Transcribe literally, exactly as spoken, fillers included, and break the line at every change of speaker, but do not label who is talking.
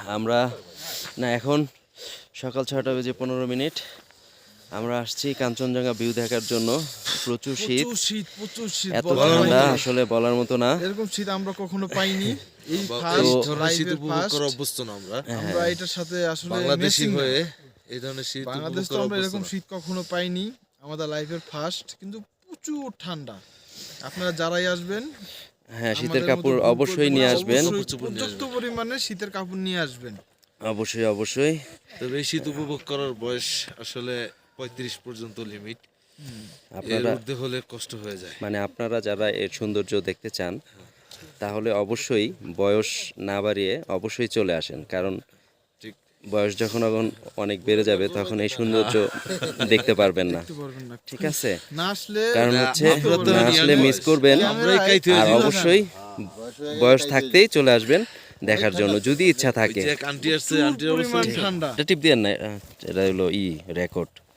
আমরা না এখন সকাল ছয়টা বেজে পনেরো মিনিট আমরা আসছি কাঞ্চনজঙ্ঘা ভিউ দেখার জন্য। প্রচুর শীত,
প্রচুর শীত প্রচুর শীত
এত
বলার
ঠান্ডা
বাইরে।
আসলে বলার মতো না।
এরকম শীত আমরা কখনো পাইনি। এই
বা- এই
ফার্স্ট
ধরনের শীত
লাইভের
উপভোগ
ফার্স্ট
করা অভ্যস্ত না আমরা
আমরা এটার সাথে আসলে
বাংলাদেশি
matching না।
হয়ে এই ধরনের শীত
বাংলাদেশ
উপভোগ
তো
করা
আমরা
অভ্যস্ত
এরকম
না।
শীত কখনো পাইনি, আমাদের লাইফের ফার্স্ট। কিন্তু প্রচুর ঠান্ডা, আপনারা যারাই আসবেন
হ্যাঁ, শীতের
আমাদের মতো
কাপড়
ভুল
অবশ্যই
করবেন
নিয়ে
না,
আসবেন।
অবশ্যই
কাপড় চোপড় নিয়ে
পর্যাপ্ত পরিমাণে শীতের কাপড় নিয়ে আসবেন।
অবশ্যই অবশ্যই
তবে এই শীত উপভোগ করার বয়স আসলে পঁয়ত্রিশ পর্যন্ত লিমিট। এর
আপনারা
ঊর্ধ্বে হলে কষ্ট হয়ে যায়।
মানে আপনারা যারা এর সৌন্দর্য দেখতে চান তাহলে অবশ্যই বয়স না বাড়িয়ে অবশ্যই চলে আসেন, কারণ
ঠিক।
বয়স যখন এখন অনেক বেড়ে যাবে তখন এই সৌন্দর্য দেখতে পারবেন না।
দেখতে পারবেন না,
ঠিক আছে,
না আসলে
কারণ
না,
হচ্ছে
আমরা তো
না
নিয়ে
আসলে
আসবো।
মিস করবেন।
আমরাই কাইতে হয়ে
আর
যাই।
অবশ্যই বয়স থাকতেই চলে আসবেন দেখার জন্য যদি ইচ্ছা
ওই
থাকে।
যে এক আন্টি আসছে,
প্রচুর
আন্টির অবস্থা
পরিমাণ ঠান্ডা।
এটা টিপ দেন না, এটা হলো ই রেকর্ড।